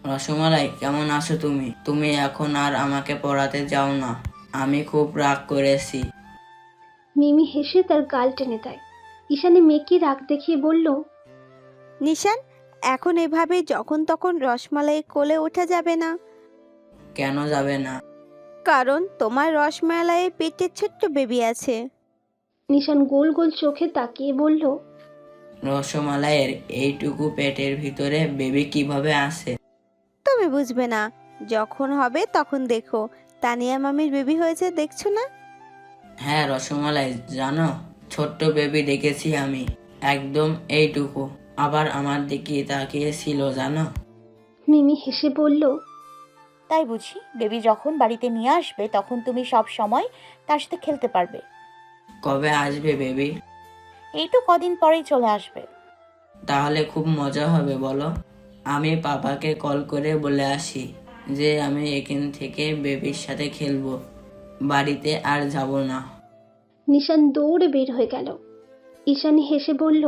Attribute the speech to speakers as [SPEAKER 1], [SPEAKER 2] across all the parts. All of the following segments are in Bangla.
[SPEAKER 1] রসমালাই, কেমন আছো তুমি? তুমি এখন আর আমাকে পড়াতে যাও না, আমি খুব রাগ করেছি।
[SPEAKER 2] মিমি হেসে তার গাল টেনে দেয়। ঈশানী মেয়েকে রাগ দেখিয়ে বলল,
[SPEAKER 3] নিশান, এখন এভাবে যখন তখন রসমালাই কোলে ওঠা যাবে না।
[SPEAKER 1] কেন যাবে না?
[SPEAKER 3] কারণ তোমার রসমালাইয়ের পেটে ছোট্ট বেবি আছে।
[SPEAKER 2] নিশান গোল গোল চোখে তাকিয়ে বলল,
[SPEAKER 1] রসমালাইয়ের এইটুকু পেটের ভিতরে বেবি কিভাবে আসে?
[SPEAKER 3] তুমি বুঝবে না, যখন হবে তখন দেখো। তানিয়া মামির বেবি হয়েছে, দেখছো না?
[SPEAKER 1] হ্যাঁ রসমালাই, জানো, ছোট্ট বেবি দেখেছি আমি, একদম এইটুকু, আবার আমার দিকে তাকিয়েছিল জানো।
[SPEAKER 2] মিমি হেসে বলল,
[SPEAKER 4] তাই বুঝি বেবি যখন বাড়িতে নিয়ে আসবে তখন তুমি সব সময় তার সাথে খেলতে পারবে।
[SPEAKER 1] কবে আসবে বেবি?
[SPEAKER 4] এই তো কদিন পরেই চলে আসবে।
[SPEAKER 1] তাহলে খুব মজা হবে বলো। আমি পাপাকে কল করে বলে আসি যে আমি এখান থেকে বেবির সাথে খেলবো, বাড়িতে আর যাব না।
[SPEAKER 2] নিশান দৌড়ে বের হয়ে গেল। ঈশানী হেসে বলল,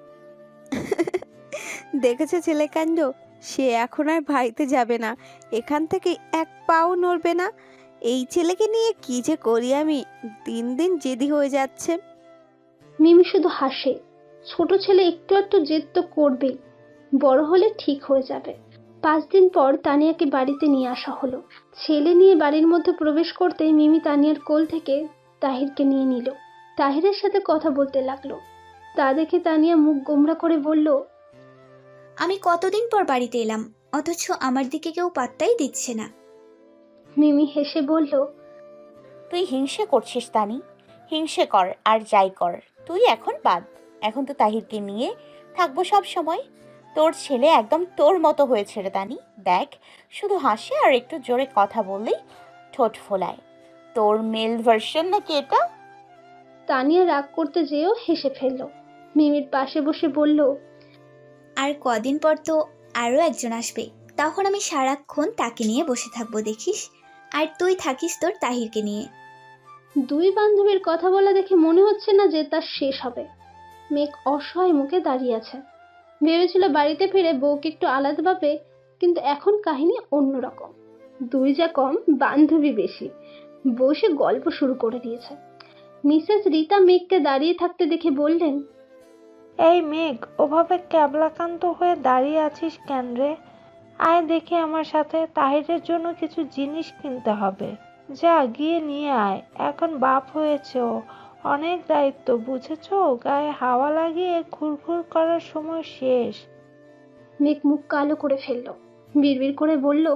[SPEAKER 3] দেখেছো ছেলে কাণ্ড, সে এখন আর বাড়িতে যাবে না, এখান থেকে এক পাও নড়বে না। এই ছেলেকে নিয়ে কি যে করি আমি, দিন দিন জেদি হয়ে যাচ্ছে।
[SPEAKER 2] মিমি শুধু হাসে। ছোট ছেলে একটু একটু জেদ তো করবেই, বড় হলে ঠিক হয়ে যাবে। 5 দিন পর তানিয়াকে বাড়িতে নিয়ে আসা হলো। ছেলে নিয়ে বাড়ির মধ্যে প্রবেশ করতেই মিমি তানিয়ার কোল থেকে তাহিরকে নিয়ে নিল। তাহিরের সাথে কথা বলতে লাগলো। তা দেখে তানিয়া মুখ গোমড়া করে বলল,
[SPEAKER 5] আমি কতদিন পর বাড়িতে এলাম, অথচ আমার দিকে কেউ পাত্তাই দিচ্ছে না।
[SPEAKER 2] মিমি হেসে বলল,
[SPEAKER 4] তুই হিংসে করছিস তানি, হিংসে কর আর যাই কর, তুই এখন বাদ। এখন তো তাহিরকে নিয়ে থাকবো সব সময়। তোর ছেলে একদম তোর মতো হয়েছে রে তানি। দেখ, শুধু হাসে আর একটু জোরে কথা বললেই ঠোঁট ফোলায়। তোর মেল ভার্সন নাকি এটা?
[SPEAKER 2] তানিয়া রাগ করতে যেও হেসে ফেলল। মিমির পাশে বসে বলল,
[SPEAKER 5] আর কদিন পর তো আরও একজন আসবে, তখন আমি সারাক্ষণ তাকে নিয়ে বসে থাকবো দেখিস। আর তুই থাকিস তোর তাহিরকে নিয়ে।
[SPEAKER 2] দুই বান্ধবীর কথা বলা দেখে মনে হচ্ছে না যে তার শেষ হবে। মেঘ অসহায় মুখে দাঁড়িয়ে আছে। ভেবেছিল বাড়িতে ফিরে বউকে একটু আলাদা পাবে, কিন্তু এখন কাহিনী অন্যরকম। দুই যা কম, বান্ধবী বেশি। বসে গল্প শুরু করে দিয়েছে। মিসেস রীতা মেঘকে দাঁড়িয়ে থাকতে দেখে বললেন,
[SPEAKER 6] এই মেঘ, ওভাবে ক্যাবলাকান্ত হয়ে দাঁড়িয়ে আছিস কেন রে? আয় দেখি আমার সাথে, তাহিরের জন্য কিছু জিনিস কিনতে হবে। যা গিয়ে নিয়ে আয়, এখন বাপ হয়েছে ও, অনেক দায়িত্ব বুঝেছো, গায়ে হাওয়া লাগিয়ে ঘুরঘুর করার সময় শেষ।
[SPEAKER 2] মেঘ মুখ কালো করে ফেলল। বিড়বিড় করে বলল,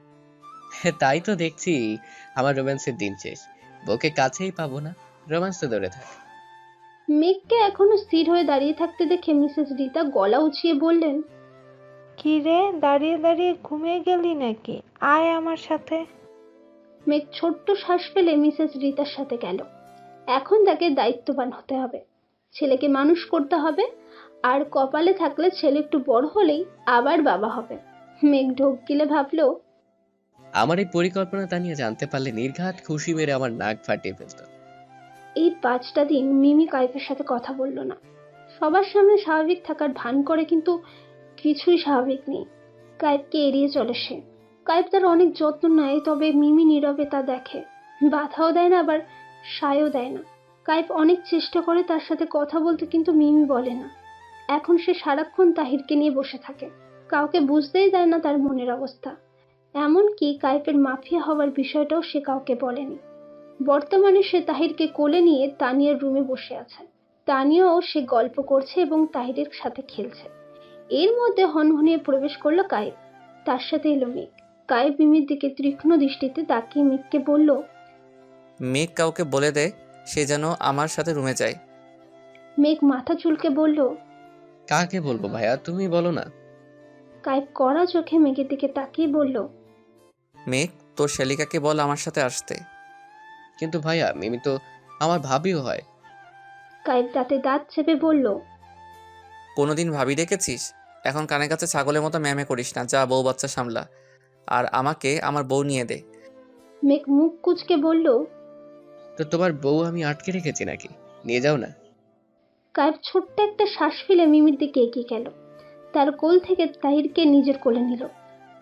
[SPEAKER 7] তাই তো দেখছি, আমার রোম্যান্সের দিন শেষ, বউকে কাছেই পাবো না, রোম্যান্স তো দূরে থাক।
[SPEAKER 2] মেঘকে এখনো স্থির হয়ে দাঁড়িয়ে থাকতে দেখে মিসেস রীতা গলা উঁচিয়ে বললেন,
[SPEAKER 6] কি রে, দাঁড়িয়ে দাঁড়িয়ে ঘুমিয়ে গেলি নাকি? আয় আমার সাথে।
[SPEAKER 2] মেঘ ছোট্ট শ্বাস ফেলে মিসেস রীতার সাথে গেল। এখন তাকে দায়িত্ববান হতে হবে, ছেলেকে মানুষ করতে হবে, আর কপালে থাকলে ছেলে একটু বড় হলেই আবার বাবা হবে। মেঘ ঢোক গিলে ভাবলো,
[SPEAKER 7] আমার এই পরিকল্পনা তা নিয়ে জানতে পারলে নির্ঘাত খুশি মেরে আমার নাক ফাটিয়ে ফেলতো।
[SPEAKER 2] এই 5টা দিন মিমি কাইফের সাথে কথা বলল না। সবার সামনে স্বাভাবিক থাকার ভান করে, কিন্তু কিছুই স্বাভাবিক নেই। কাইফকে এড়িয়ে চলে সে। কাইফ তার অনেক যত্ন নেয়, তবে মিমি নীরবে তা দেখে। বাধাও দেয় না, আবার সায়ও দেয় না। কাইফ অনেক চেষ্টা করে তার সাথে কথা বলতে, কিন্তু মিমি বলে না। এখন সে সারাক্ষণ তাহিরকে নিয়ে বসে থাকে। কাউকে বুঝতেই দেয় না তার মনের অবস্থা। এমনকি কাইফের মাফিয়া হওয়ার বিষয়টাও সে কাউকে বলেনি। বর্তমানে সে তাহিরকে কোলে নিয়ে তানিয়ার রুমে বসে আছে। তানিয়াও সে গল্প করছে এবং তাহিরের সাথে খেলছে। এর মধ্যে হনহনিয়ে প্রবেশ করলো কায়েব। তার সাথে এলো মেঘ। কায়েব মিমির দিকে তীক্ষ্ণ দৃষ্টিতে তাকিয়ে মেঘকে বলল,
[SPEAKER 8] মেঘ কাউকে বলে দে সে যেন আমার সাথে রুমে যায়।
[SPEAKER 2] মেঘ মাথা চুলকে বলল।
[SPEAKER 7] কাকে বলবো ভাইয়া, তুমি বলো না।
[SPEAKER 2] কায়েব কড়া চোখে মেঘের দিকে তাকিয়ে বলল,
[SPEAKER 8] মেঘ, তোর শালিকাকে বল আমার সাথে আসতে।
[SPEAKER 7] কিন্তু ভাইয়া, মিমি তো আমার ভাবিও হয়।
[SPEAKER 2] কায়েব দাঁতে দাঁত চেপে বলল,
[SPEAKER 8] কোনোদিন ভাবি দেখেছিস? এখন কানের কাছে ছাগলের মতো ম্যামে করিস না, যা বউ বাচ্চা সামলা, আর আমাকে আমার বউ নিয়ে দে।
[SPEAKER 2] মেঘ মুখ কুঁচকে বলল,
[SPEAKER 7] তো তোমার বউ আমি আটকে রেখেছি নাকি? নিয়ে যাও না।
[SPEAKER 2] কায়েব ছোট্ট একটা শ্বাস ফেলে মিমির দিকে এগিয়ে গেল। তার কোল থেকে তাহিরকে নিজের কোলে নিল।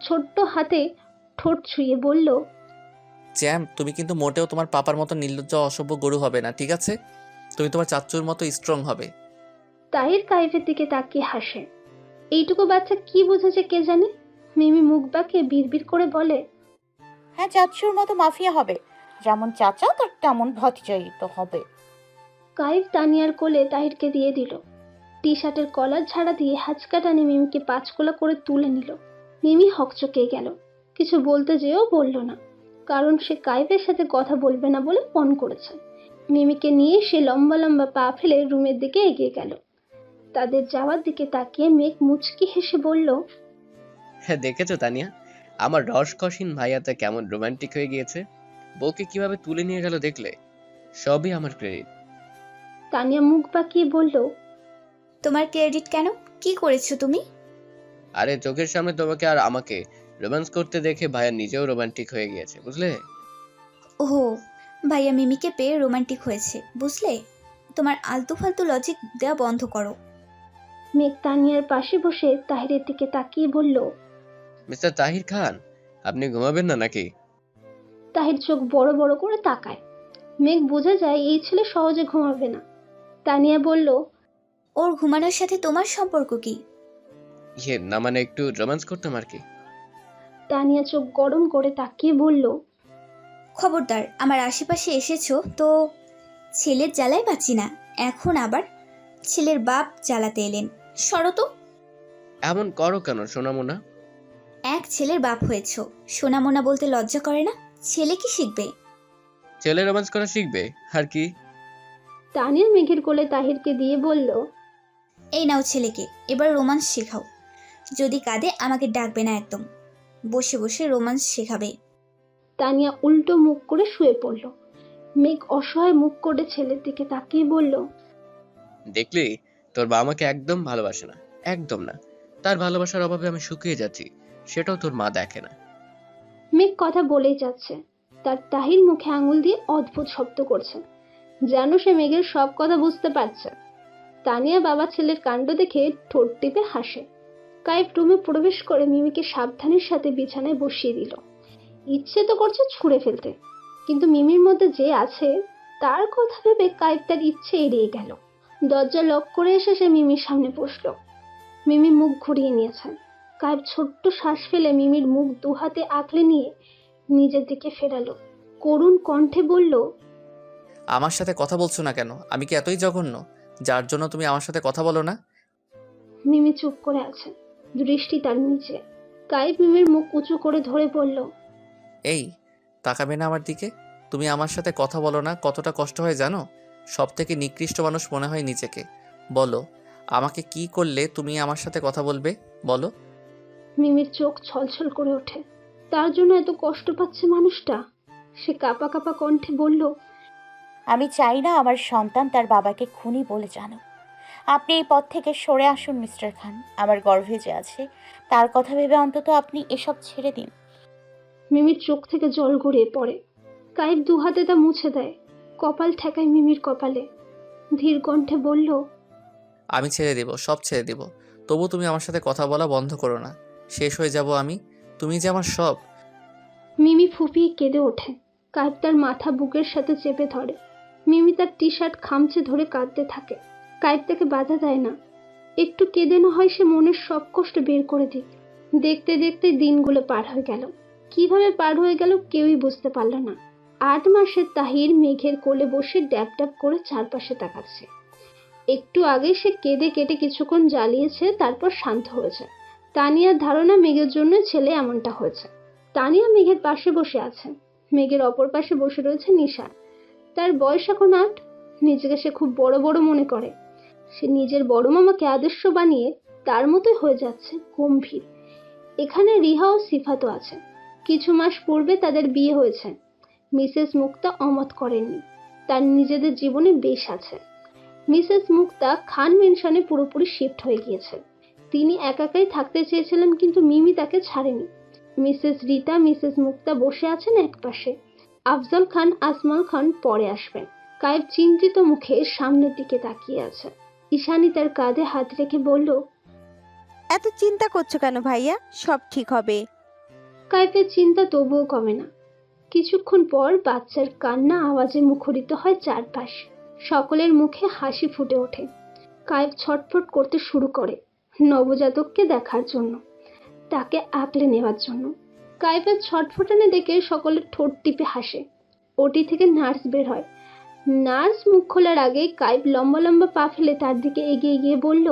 [SPEAKER 2] ছোট্ট হাতে ঠোঁট ছুঁয়ে বলল,
[SPEAKER 8] জ্যাম, তুমি কিন্তু মোটেও তোমার পাপার মতো নির্লজ্জ অসভ্য গরু হবে না, ঠিক আছে? তুমি তোমার চাচ্চুর মতো স্ট্রং হবে।
[SPEAKER 2] তাহির কাইফের দিকে তাকিয়ে হাসে। এইটুকু বাচ্চা কি বুঝেছে কে জানে। মিমি মুখ বাঁকিয়ে বিড়বিড় করে বলে,
[SPEAKER 4] হ্যাঁ, চাচুর মতো মাফিয়া হবে। যেমন চাচা তার তেমন ভতিজাই তো হবে।
[SPEAKER 2] কাইফ তানিয়ার কোলে তাহিরকে দিয়ে দিল। টি শার্টের কলার ঝাড়া দিয়ে হাঁচকা টানে মিমিকে পাঁচকোলা করে তুলে নিল। মিমি হকচকে গেল, কিছু বলতে যেও বলল না, কারণ সে কাইফের সাথে কথা বলবে না বলে পণ করেছে। মিমিকে নিয়ে সে লম্বা লম্বা পা ফেলে রুমের দিকে এগিয়ে গেল। তাদের যাওয়ার দিকে তাকিয়ে মেঘ মুচকি হেসে বলল,
[SPEAKER 7] হ্যাঁ, দেখেছো তানিয়া, আমার রসকসীন ভাইয়াটা কেমন রোমান্টিক হয়ে গিয়েছে। বউকে কিভাবে তুলে নিয়ে গেল দেখলে? সবই আমার ক্রেডিট।
[SPEAKER 2] তানিয়া মুখ বাঁকিয়ে বলল,
[SPEAKER 5] তোমার ক্রেডিট কেন? কি করেছো তুমি?
[SPEAKER 7] আরে চোখের সামনে তোমাকে আর আমাকে রোম্যান্স করতে দেখে ভাইয়া নিজেও রোমান্টিক হয়ে গিয়েছে, বুঝলে?
[SPEAKER 5] ওহো, ভাইয়া মিমিকে পেয়ে রোমান্টিক হয়েছে, বুঝলে? তোমার আলতু ফালতু লজিক দেওয়া বন্ধ করো।
[SPEAKER 2] মেঘ তানিয়ার পাশে বসে তাহিরের দিকে তাকিয়ে বলল,
[SPEAKER 7] মিস্টার তাহির খান, আপনি ঘুমাবেন না নাকি?
[SPEAKER 2] তাহির চোখ বড় বড় করে তাকায়। মেঘ বোঝা যায় এই ছেলে সহজে ঘুমাবে না। তানিয়া বলল,
[SPEAKER 5] ওর ঘুমানোর সাথে তোমার সম্পর্ক কি?
[SPEAKER 7] না মানে একটু রোম্যান্স করতাম আর কি।
[SPEAKER 2] তানিয়া চোখ গরম করে তাকিয়ে বলল,
[SPEAKER 5] খবরদার আমার আশেপাশে এসেছো তো ছেলের জ্বালায় বাঁচি না, এখন আবার ছেলের বাপ জ্বালাতে এলেন। সরো তো।
[SPEAKER 7] এমন করো কেন সোনামোনা?
[SPEAKER 5] এক ছেলের বাপ হয়েছো, সোনামোনা বলতে লজ্জা করে না? ছেলে কি শিখবে?
[SPEAKER 7] ছেলে রোম্যান্স করা শিখবে আর কি।
[SPEAKER 2] তানিয়া মেঘের কোলে তাহিরকে দিয়ে বলল,
[SPEAKER 5] এই নাও ছেলেকে, এবার রোমান্স শেখাও। যদি কাঁদে আমাকে ডাকবে না একদম, বসে বসে রোমান্স শেখাবে।
[SPEAKER 2] তানিয়া উল্টো মুখ করে শুয়ে পড়ল। মেঘ অসহায় মুখ করে ছেলের দিকে তাকিয়ে বলল,
[SPEAKER 7] দেখলি, তোর বাবা আমাকে একদম ভালোবাসে না, একদম না। তার ভালোবাসার অভাবে আমি শুকিয়ে যাচ্ছি, সেটাও তোর মা দেখে না।
[SPEAKER 2] মেঘ কথা বলেই যাচ্ছে, তার তাহির মুখে আঙুল দিয়ে অদ্ভুত শব্দ করছে, যেন সে মেঘের সব কথা বুঝতে পারছে। তানিয়া বাবা ছেলের কাণ্ড দেখে ঠোঁট টিপে হাসে। কাইফ রুমে প্রবেশ করে মিমিকে সাবধানের সাথে বিছানায় বসিয়ে দিল। ইচ্ছে তো করছে ছুঁড়ে ফেলতে, কিন্তু মিমির মধ্যে যে আছে তার কথা ভেবে কাইফ তার ইচ্ছে এড়িয়ে গেল। দরজা লক করে এসে সে মিমির সামনে বসলো। মিমি মুখ ঘুরিয়ে নিয়েছে। কাইফ ছোট্ট শ্বাস ফেলে মিমির মুখ দু হাতে আঁকড়ে নিয়ে নিজের দিকে ফেরালো। করুণ কণ্ঠে বলল,
[SPEAKER 8] আমার সাথে কথা বলছো না কেন? আমি কি এতই জঘন্য যার জন্য তুমি আমার সাথে কথা বলো না?
[SPEAKER 2] মিমি চুপ করে আছে, দৃষ্টি তার নিচে। কাইফ মিমির মুখ উঁচু করে ধরে বলল,
[SPEAKER 8] এই, তাকাবে না আমার দিকে? তুমি আমার সাথে কথা বলো না, কতটা কষ্ট হয় জানো? সব থেকে নিকৃষ্ট মানুষ মনে হয় নিজেকে। বলো, আমাকে কি করলে তুমি আমার সাথে কথা বলবে? বলো।
[SPEAKER 2] মিমির চোখ ছলছল করে ওঠে। তার জন্য এত কষ্ট পাচ্ছে মানুষটা। সে কাঁপা কাঁপা কণ্ঠে বলল,
[SPEAKER 4] আমি চাই না আমার সন্তান তার বাবাকে খুনি বলে জানো। আপনি এই পথ থেকে সরে আসুন মিস্টার খান। আমার গর্ভে যে আছে তার কথা ভেবে অন্তত আপনি এসব ছেড়ে দিন।
[SPEAKER 2] মিমির চোখ থেকে জল গড়িয়ে পড়ে। কাইফ দু হাতে তা মুছে দেয়, কপাল ঠেকায় মিমির কপালে। ধীর কণ্ঠে বলল,
[SPEAKER 8] আমি ছেড়ে দেব, সব ছেড়ে দেব, তবু তুমি আমার সাথে কথা বলা বন্ধ করো না। শেষ হয়ে যাব আমি। তুমি যে আমার সব।
[SPEAKER 2] মিমি ফুঁপিয়ে কেঁদে ওঠে। কাইফ তার মাথা বুকের সাথে চেপে ধরে। মিমি তার টি শার্ট খামচে ধরে কাঁদতে থাকে। কাইফ তাকে বাধা দেয় না। একটু কেঁদে না হয় সে মনের সব কষ্ট বের করে দিক। দেখতে দেখতে দিনগুলো পার হয়ে গেল। কিভাবে পার হয়ে গেল কেউই বুঝতে পারল না। 8 মাসের তাহির মেঘের কোলে বসে ড্যাব ড্যাব করে চারপাশে তাকাচ্ছে। একটু আগে সে কেঁদে কেটে কিছুক্ষণ জ্বালিয়েছে, তারপর শান্ত হয়েছে। তানিয়ার ধারণা মেঘের জন্য ছেলে এমনটা হয়েছে। তানিয়া মেঘের পাশে বসে আছে। মেঘের অপর পাশে বসে রয়েছে নিশা। তার বয়স এখন 8। নিজেকে সে খুব বড় বড় মনে করে। সে নিজের বড় মামাকে আদর্শ বানিয়ে তার মতোই হয়ে যাচ্ছে গম্ভীর। এখানে রিহা ও সিফাতও আছে। কিছু মাস পূর্বে তাদের বিয়ে হয়েছে। মিসেস মুক্তা অমত করেননি। তার নিজেদের জীবনে বেশ আছে। মিসেস মুক্তা খান মেনশনে পুরোপুরি শিফট হয়ে গিয়েছে। তিনি একাই থাকতে চেয়েছিলেন, কিন্তু মিমি তাকে ছাড়েনি। মিসেস রিতা মিসেস মুক্তা বসে আছেন একপাশে। আফজল খান আসমাল খান পরে আসবেন। কায়েব চিন্তিত মুখে সামনের দিকে তাকিয়ে আছে। ঈশানী তার কাঁধে হাত রেখে বলল,
[SPEAKER 3] এত চিন্তা করছো কেন ভাইয়া? সব ঠিক হবে।
[SPEAKER 2] কাইফের চিন্তা তবুও কমে না। কিছুক্ষণ পর বাচ্চার কান্না আওয়াজে মুখরিত হয় চারপাশ। সকলের মুখে হাসি ফুটে ওঠে। কাইফ ছটফট করতে শুরু করে নবজাতককে দেখার জন্য, তাকে আঁকলে নেওয়ার জন্য। কাইফের ছটফটানি দেখে সকলে ঠোঁট টিপে হাসে। ওটি থেকে নার্স বের হয়। নার্স মুখ খোলার আগে কাইফ লম্বা লম্বা পা ফেলে তার দিকে এগিয়ে গিয়ে বলল,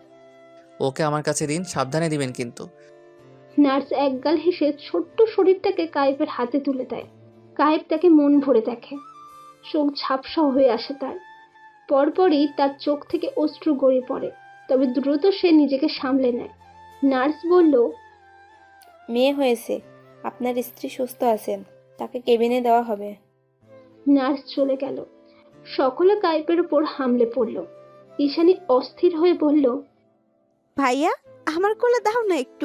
[SPEAKER 8] ওকে আমার কাছে দিন, সাবধানে দিবেন কিন্তু।
[SPEAKER 2] নার্স একগাল হেসে ছোট্ট শরীরটাকে কাইফের হাতে তুলে দেয়। কাইফ তাকে মন ভরে দেখে। চোখ ঝাপসা হয়ে আসে তার। পরপরই তার চোখ থেকে অশ্রু গড়িয়ে পড়ে, তবে দ্রুত সে নিজেকে সামলে নেয়। নার্স বলল,
[SPEAKER 9] মেয়ে হয়েছে, আপনার স্ত্রী সুস্থ আছেন, তাকে কেবিনে দেওয়া হবে।
[SPEAKER 2] নার্স চলে গেল। সকলে কাইফের উপর হামলে পড়ল। ঈশানী অস্থির হয়ে বলল,
[SPEAKER 3] ভাইয়া আমার কোলে দাও না একটু।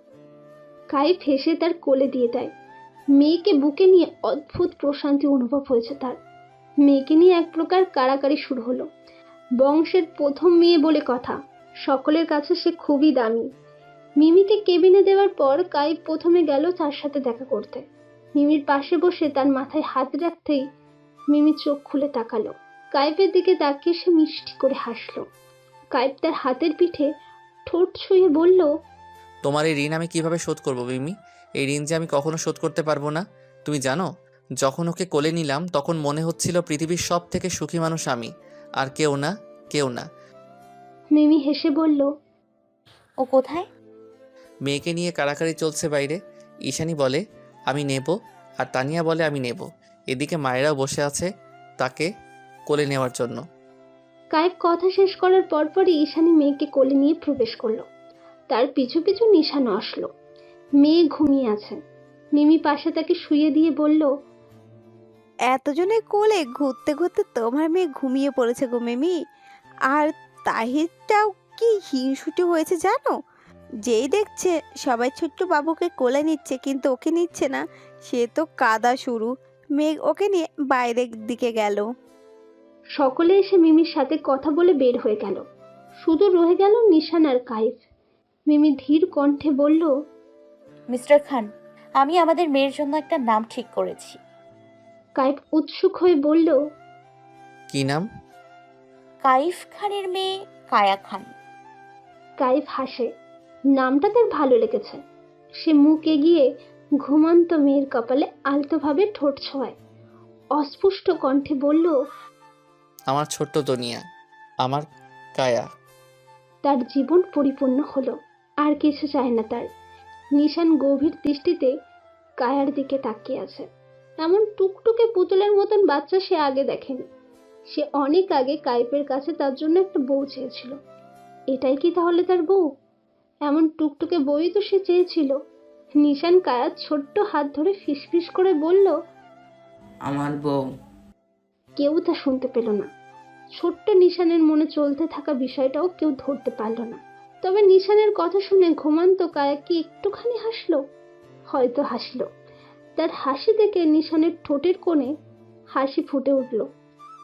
[SPEAKER 2] কাইফ হেসে তার কোলে দিয়ে দেয়। মেয়েকে বুকে নিয়ে অদ্ভুত প্রশান্তি অনুভব হয়েছে তার। মেয়েকে নিয়ে এক প্রকার কাড়াকাড়ি শুরু হলো। বংশের প্রথম মেয়ে বলে কথা, সকলের কাছে সে খুবই দামি। মিমিকে কেবিনে দেওয়ার পর কাইফ প্রথমে গেল তার সাথে দেখা করতে। মিমির পাশে বসে তার মাথায় হাত রাখতেই মিমি চোখ খুলে তাকালো। কাইফের দিকে তাকিয়ে সে মিষ্টি করে হাসলো। কাইফ তার হাতের পিঠে ঠোঁট ছুঁয়ে বলল,
[SPEAKER 8] তোমার এই ঋণ আমি কিভাবে শোধ করব মিমি? এই ঋণ যে আমি কখনো শোধ করতে পারবো না। তুমি জানো, যখন ওকে কোলে নিলাম তখন মনে হচ্ছিল পৃথিবীর সব থেকে সুখী মানুষ আমি, আর কেউ না, কেউ না।
[SPEAKER 2] মিমি হেসে বলল,
[SPEAKER 4] ও কোথায়?
[SPEAKER 8] মেয়েকে নিয়ে কাড়াকাড়ি চলছে বাইরে। ঈশানী বলে আমি নেব, আর তানিয়া বলে আমি নেব। এদিকে মায়েরাও বসে আছে তাকে কোলে নেওয়ার জন্য।
[SPEAKER 2] কাইফ কথা শেষ করার পরপরই ঈশানী মেয়েকে কোলে নিয়ে প্রবেশ করলো। তার পিছু পিছু নিশানও আসলো। মেয়ে ঘুমিয়ে আছে। মিমি পাশে তাকে শুয়ে দিয়ে বলল,
[SPEAKER 3] এতজনের কোলে ঘুরতে ঘুরতে তোমার মেয়ে ঘুমিয়ে পড়েছে গো মিমি। আর তাহিরটাও কি হিংসুটে হয়েছে জানো? যেই দেখছে সবাই ছোট্ট বাবুকে কোলে নিচ্ছে কিন্তু ওকে নিচ্ছে না, সে তো কাদা শুরু। মেঘ ওকে নিয়ে বাইরের দিকে গেল।
[SPEAKER 2] সকলে এসে মিমির সাথে কথা বলে বের হয়ে গেল। শুধু রয়ে গেল নিশান আর কাইফ। মিমি ধীর কণ্ঠে বলল,
[SPEAKER 4] মিস্টার খান, আমি আমাদের মেয়ের জন্য একটা নাম ঠিক করেছি।
[SPEAKER 2] কাইফ উৎসুক হয়ে বলল,
[SPEAKER 8] কি নাম?
[SPEAKER 4] কাইফ খানের মেয়ে কায়া খান।
[SPEAKER 2] কাইফ হাসে। নামটা তার ভালো লেগেছে। সে মুখ এগিয়ে ঘুমন্ত মেয়ের কপালে আলতোভাবে ঠোঁট ছোঁয়ায়। অস্পষ্ট কণ্ঠে বলল,
[SPEAKER 8] আমার ছোট্ট দুনিয়া, আমার কায়া।
[SPEAKER 2] তার জীবন পরিপূর্ণ হলো। আর কিছু চায় না তার। নিশান গভীর দৃষ্টিতে কায়ার দিকে তাকিয়ে আছে। এমন টুকটুকে পুতুলের মতন বাচ্চা সে আগে দেখেনি। সে অনেক আগে কাইফের কাছে তার জন্য একটা বউ চেয়েছিল। এটাই কি তাহলে তার বউ? এমন টুকটুকে বউই তো সে চেয়েছিল। নিশান কায়ার ছোট্ট হাত ধরে ফিসফিস করে বলল,
[SPEAKER 1] আমার বউ।
[SPEAKER 2] কেউ তা শুনতে পেল না। ছোট্ট নিশানের মনে চলতে থাকা বিষয়টাও কেউ ধরতে পারল না। তবে নিশানের কথা শুনে ঘুমান্ত কায়া কি একটুখানি হাসলো? হয়তো হাসলো। তার হাসি দেখে নিশানের ঠোঁটের কোণে হাসি ফুটে উঠল।